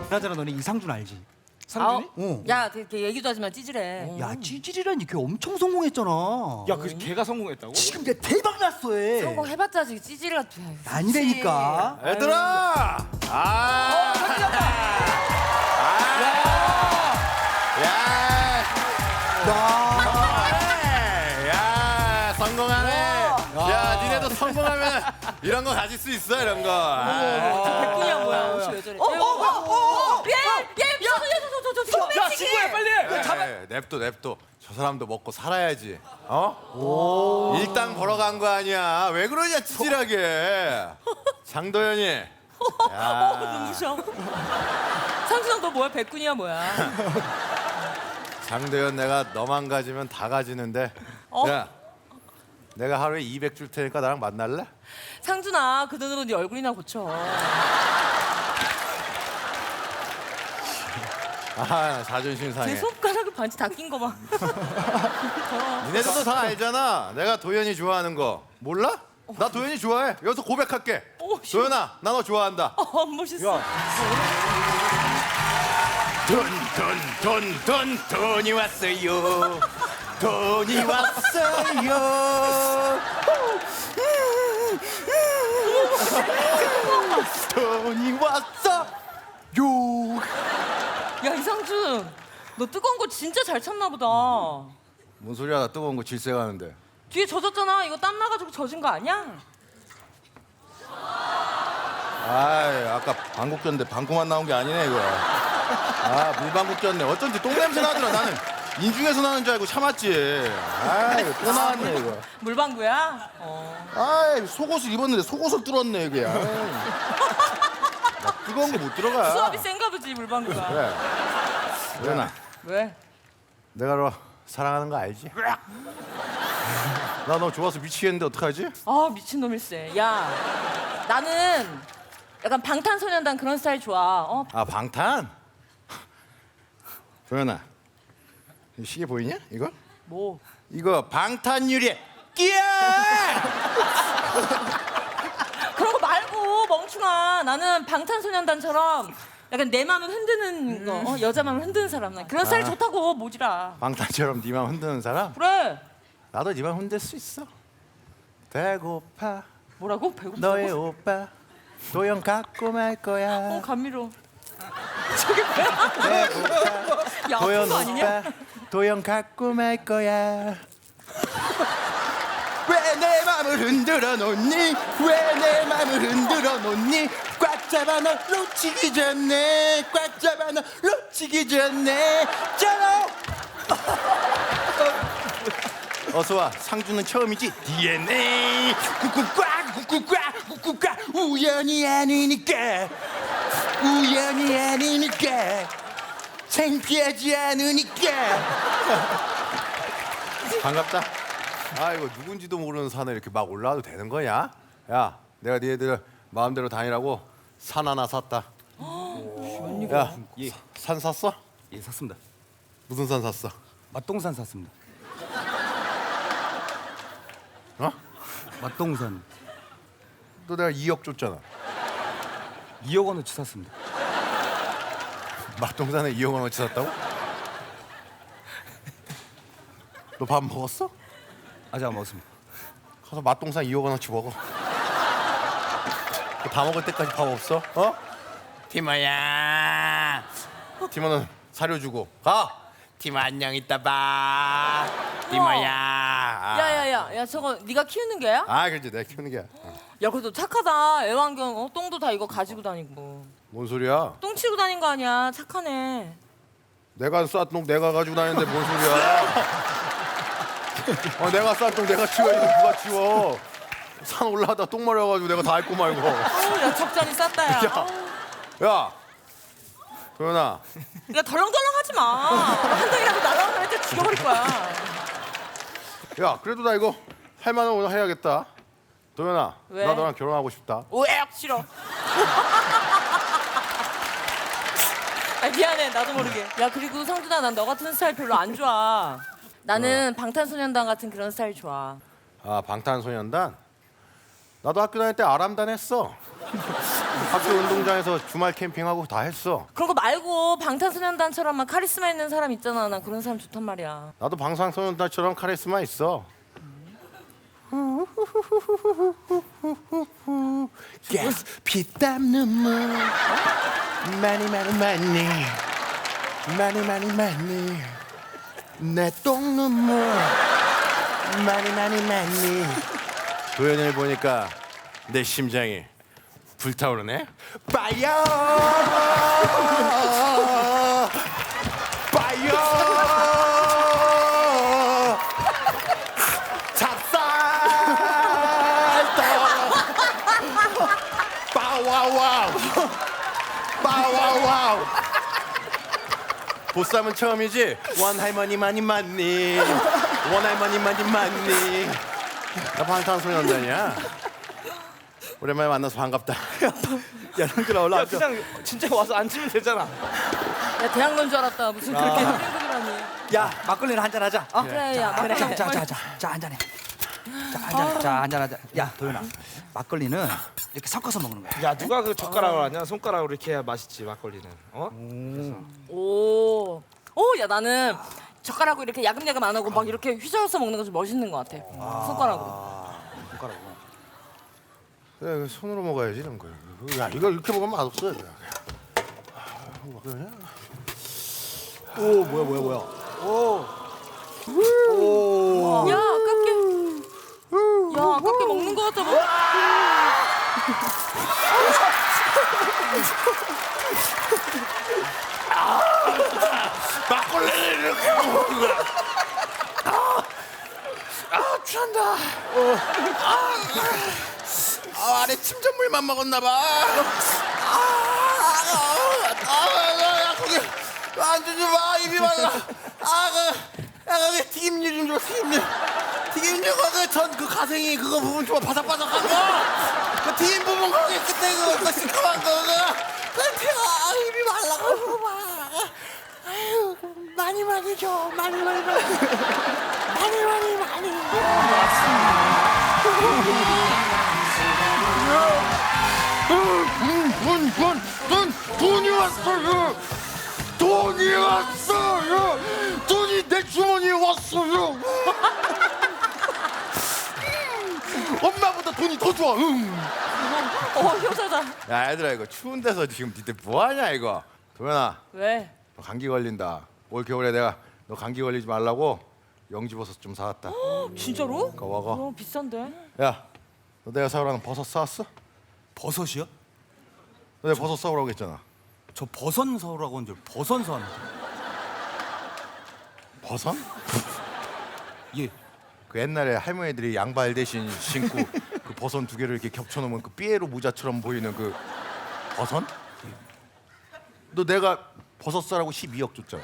그나저나 너네 이상준 알지? 상준이? 어. 야, 걔 얘기도 하지 마, 찌질해. 야 찌질이라니 걔 엄청 성공했잖아. 야, 그 걔가 성공했다고? 지금 걔 대박 났어 얘. 성공해봤자 지금 찌질 같아. 아니라니까. 얘들아! 야, 성공하네. 야, 니네도 성공하면 이런 거 가질 수 있어, 이런 거. 백군이야 뭐야? 옷이 왜 저래? 야, 친구야, 빨리! 잡아! 냅둬. 저 사람도 먹고 살아야지. 어? 일당 벌어간 거 아니야. 왜 그러냐, 찌질하게. 장도연이. 눈부셔. 상준아 너 뭐야? 백군이야 뭐야? 장도연 내가 너만 가지면 다 가지는데. 야, 내가 하루에 200 줄 테니까 나랑 만날래? 상준아 그 돈으로 네 얼굴이나 고쳐. 아, 자존심 상해. 제 손가락에 반지 다 낀 거 봐. 니네들도 다 알잖아. 내가 도연이 좋아하는 거. 몰라? 나 도연이 좋아해. 여기서 고백할게. 도연아, 나 너 좋아한다. 멋있어. 돈이 왔어요. 돈이 왔어요. 돈이 왔어요. 야 이상준, 너 뜨거운 거 진짜 잘 참나 보다. 뭔 소리야? 나 뜨거운 거 질색하는데. 뒤에 젖었잖아. 이거 땀 나가지고 젖은 거 아니야? 아, 아까 방귀 꼈는데 방구만 나온 게 아니네 이거. 아, 물방귀 꼈네. 어쩐지 똥 냄새 나더라. 나는 인중에서 나는 줄 알고 참았지. 아, 이거 또 나왔네 이거. 물방구야? 아, 속옷을 입었는데 속옷을 뚫었네 이게. 나 뜨거운 거 못 들어가. 수압이 센가 보지 물방구가. 그래. 도연아, 왜? 내가 너 사랑하는 거 알지? 나 너 좋아서 미치겠는데 어떡하지? 아 미친놈일세. 야 나는 약간 방탄소년단 그런 스타일 좋아. 아, 방탄? 도연아, 이 시계 보이냐? 이거? 뭐? 이거 방탄유리. 끼야! 그런 거 말고 멍충아. 나는 방탄소년단처럼 약간 내 마음을 흔드는 거, 여자 마음을 흔드는 사람. 나 그런 스타일 좋다고 모지라. 방탄처럼 네 맘 흔드는 사람? 그래. 나도 네 맘 흔들 수 있어. 배고파 뭐라고? 배고프다고? 너의 오빠 도연 갖고 말 거야. 감미로워. 저게 뭐야? 배고파 야 아픈 도연 거 아니냐? 오빠 도연 갖고 말 거야. 왜 내 맘을 흔들어 놓니? 왜 내 맘을 흔들어 놓니? 꽉 잡아 너 놓치기 전에, 꽉 잡아 너 놓치기 전에. 짜라. 어서 와. 상주는 처음이지. DNA 꾹꾹 우연이 아니니까, 우연이 아니니까, 창피하지 않으니까. 반갑다. 아, 이거 누군지도 모르는 산에 이렇게 막 올라와도 되는 거냐? 야, 내가 니네들 마음대로 다니라고 산 하나 샀다. 야, 예. 산 샀어? 예 샀습니다. 무슨 산 샀어? 맛동산 샀습니다. 어? 맛동산 또 내가 2억 줬잖아. 2억 원어치 샀습니다. 맛동산에 2억 원어치 샀다고? 너 밥 먹었어? 아직 안 먹었습니다. 가서 맛동산 2억 원어치 먹어. 다 먹을 때까지 밥 없어? 어? 티모야. 티모는 사료 주고 가. 티모 안녕, 이따 봐. 티모야. 야야야, 저거 네가 키우는 개야? 아, 그렇지. 내가 키우는 게야. 야 그래도 착하다. 애완견 똥도 다 이거 가지고 다니고. 뭔 소리야? 똥 치고 다닌 거 아니야. 착하네. 내가 싼 똥 내가 가지고 다니는데 뭔 소리야? 내가 싼 똥 내가 치워야지. 누가 치워? 산 올라가다 똥 마려가지고 내가 다 핥고 말고. 야 적잖이 쌌다 야. 야, 도연아. 야 덜렁덜렁 하지 마. 한 장이라도 날아오면 일단 죽여버릴 거야. 야, 그래도 나 이거 할 만한 오늘 해야겠다. 도연아, 왜? 나 너랑 결혼하고 싶다. 왜? 싫어. 아 미안해 나도 모르게. 야 그리고 성준아 난 너 같은 스타일 별로 안 좋아. 나는 방탄소년단 같은 그런 스타일 좋아. 아, 방탄소년단? 나도 학교 다닐 때 아람단 했어. 학교 운동장에서 주말 캠핑하고 다 했어. 그런 거 말고 방탄소년단처럼 막 카리스마 있는 사람 있잖아. 나 그런 사람 좋단 말이야. 나도 방탄소년단처럼 카리스마 있어. yes, 피땀 눈물 많이 내 똥 눈물 많이 도현이를 보니까 내 심장이 불타오르네. 파이어 빠와와우 보쌈은 처음이지? 원 할머니 많이 맞니? 원 할머니 많이 맞니? 나 방탄소년단이야. 오랜만에 만나서 반갑다. 야, 형들아 야 올라와. 그냥 진짜 와서 앉으면 되잖아. 야 대학 논 줄 알았다. 무슨 그렇게 힘들더라니. 야, 막걸리나 한잔 하자. 어? 그래 야 그래. 막걸리. 자, 한잔해. 자, 한잔해. 자, 한잔하자. 야, 도현아. 막걸리는 이렇게 섞어서 먹는 거야. 야 누가 그 젓가락으로 하냐? 손가락으로 이렇게 해야 맛있지 막걸리는. 어? 오. 오, 야 나는 젓가락으로 이렇게 야금야금 안 하고 막 이렇게 휘저어서 먹는 거 좀 멋있는 것 같아. 손가락으로. 손가락으로. 그래, 손으로 먹어야지 이런 거. 야, 이거 이렇게 먹으면 맛없어. 오, 뭐야. 야 아깝게 먹는 것 같아. 뭐. 막걸리를 이렇게 먹는 거야. 취한다. 안에 침전물만 먹었나 봐. 야, 거기 안 주지 마. 입이 말라. 거기 튀김류 좀 줘. 튀김류 거기 전그 가생이 그거 부분 좀 바삭바삭한 거. 그 튀김 부분 거기 끝에 그거 시큼한 거 그거. 입이 말라가지고 봐. 아유, 많이 줘. 많이. 돈이 왔어요. 돈이 내 주머니에 왔어요. 엄마보다 돈이 더 좋아. 효자다. 야, 얘들아 이거 추운 데서 지금 니들 뭐하냐 이거. 도현아, 왜? 너 감기 걸린다. 올 겨울에 내가 너 감기 걸리지 말라고 영지버섯 좀 사왔다. 진짜로? 먹어. 비싼데? 야, 너 내가 사오라는 버섯 사왔어? 버섯이요? 너 내가 버섯 사오라고 했잖아. 저 버선 사오라고 한 줄 버선 사왔네. 버섯? 예. 그 옛날에 할머니들이 양발 대신 신고 그 버선 두 개를 이렇게 겹쳐놓으면 그 삐에로 모자처럼 보이는 그 버선? 너 내가 버섯 사라고 12억 줬잖아.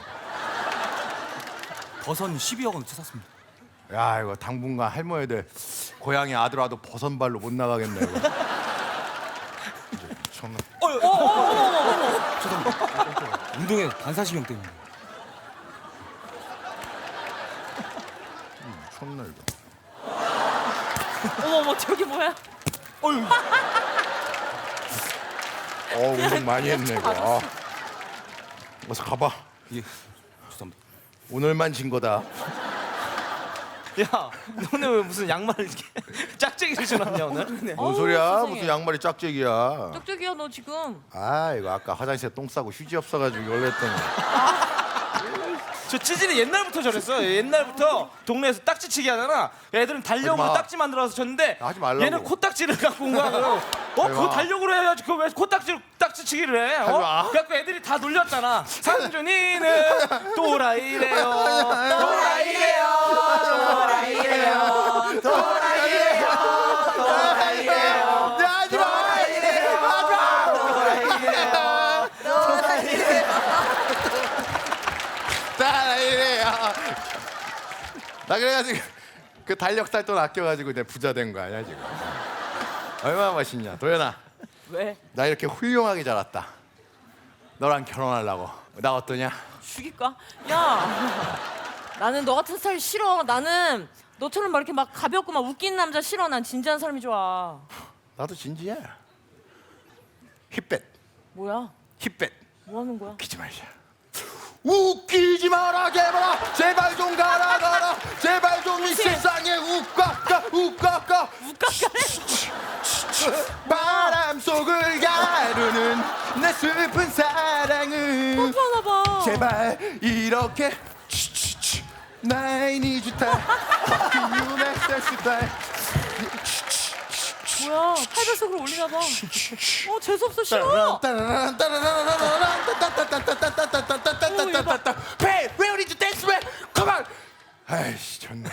버선 12억 원 샀습니다. 야, 이거 당분간 할머니들 고향에 아들 와도 버선발로 못 나가겠네 이거. 이제 미쳤나? 죄송합니다. 운동에 반사신경 때문에. 미쳤나 이거. 어머 저기 뭐야? 운동 많이 했네 이거. 어서 가봐. 예. 죄송합니다. 오늘만 진 거다. 야 너네 왜 무슨 양말을 이렇게 짝짝이를 신었냐 오늘? 뭔 소리야? 세상에. 무슨 양말이 짝짝이야. 쩍쩍이야 너 지금. 이거 아까 화장실에 똥 싸고 휴지 없어가지고 이걸 했더니. 저 찌질이 옛날부터 저랬어. 옛날부터 동네에서 딱지치기 하잖아. 애들은 달력으로 하지 마. 딱지 만들어서 쳤는데 하지 말라고. 얘는 코딱지를 갖고 온 거야. 그거 그거 마. 달력으로 해야지. 그거 왜 코딱지로 딱지치기를 해? 하지 마. 그래갖고 애들이 다 놀렸잖아. 상준이는 또라이래요. 또라이래요. 하지 마. 나 그래가지고 그 달력 살 돈 아껴가지고 내 부자 된 거 아니야 지금. 얼마나 맛있냐 도현아. 왜? 나 이렇게 훌륭하게 자랐다. 너랑 결혼하려고. 나 어떠냐? 죽일까? 야 나는 너 같은 스타일 싫어. 나는 너처럼 막 이렇게 막 가볍고 막 웃기는 남자 싫어. 난 진지한 사람이 좋아. 나도 진지해. 힙뱃 뭐야? 힙뱃 뭐 하는 거야? 웃기지 말자. 웃기지 마라 개발아 제발 좀 가라 제발 좀 이 세상에 우까까 바람 속을 가르는 내 슬픈 사랑은 뽀뽀하나 봐. 제발 이렇게 나의 니주타 뭐야? 팔배속으로 올리나 봐. 재수 없어 싫어. Hey, where did you dance? Come on. 아이씨 좋네.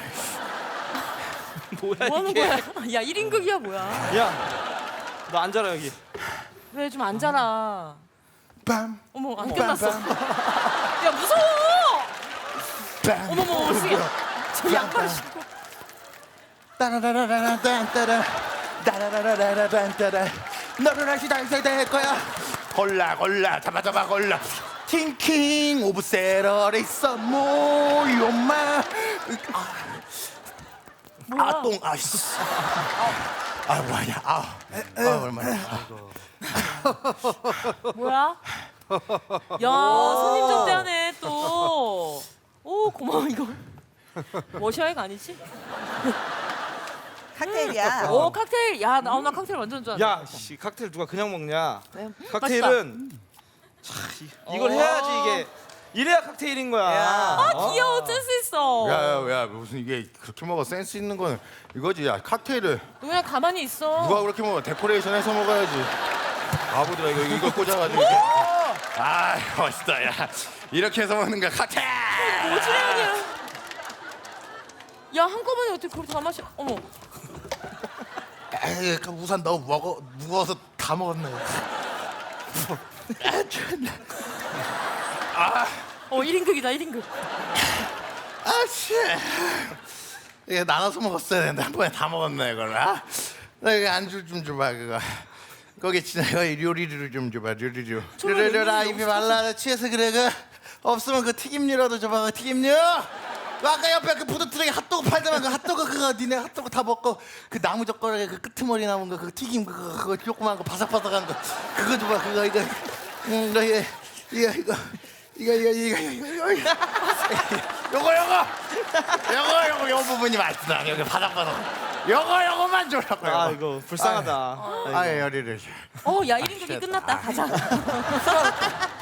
뭐야 뭐 하는 이게? 거야? 야 1인극이야 뭐야? 야, 너 앉아라 여기. 왜 좀 앉아라. 빰. 어머 안 끝났어. 야 무서워. 빰. 어머머 어떻게? 저 양말 신고. 따라라라라란따라 따라라라라란따라 너를 다시 달색 될 거야. 골라 잡아 골라. 팅킹 오브 세러레 있어 모요마. 뭐야? 아똥 아씨. 뭐야 얼마나. 뭐야? 야 손님 접대하네 또. 오 고마워 이거. 워셔액 아니지? 칵테일이야. 오 칵테일. 야 나 칵테일 완전 좋아한다. 야, 씨, 칵테일 누가 그냥 먹냐? 네, 칵테일은 이걸 해야지 이게 이래야 칵테일인 거야. 아 귀여워 센스 있어. 야 무슨 이게 그렇게 먹어 센스 있는 거는 이거지. 야 칵테일을 너 그냥 가만히 있어. 누가 그렇게 먹어? 데코레이션 해서 먹어야지. 바보들아 이거 꽂아가지고 이렇게. 아 멋있다. 야 이렇게 해서 먹는 거야 칵테일. 오지랖이야. 야 한꺼번에 어떻게 그걸 다 마셔? 어머. 에이, 그 우산 너무 무거워서 다 먹었네. 아, 1인극이다 1인극. 아씨. 이게 나눠서 먹었어야 되는데 한 번에 다 먹었네 이걸. 나 이거 안주 좀 줘봐 그거. 거기 진짜 요리류 좀 줘봐 요리류. 요리류라 입이 말라 취해서 그래 그 없으면 그 튀김류라도 줘봐 그 튀김류. 아까 옆에 그 푸드트럭에 핫도그 팔더만 그 핫도그 그거 니네 핫도그 다 먹고 그 나무 젓가락에 그 끄트머리 남은 거 그 튀김 그거 조그만 거 바삭바삭한 거 그거 줘봐 그거 이거 요거 부분이 맛있다 여기 바삭바삭 요거만 줘라고 아 이거 불쌍하다. 아예 요리를 야 1인극이 끝났다. 가자.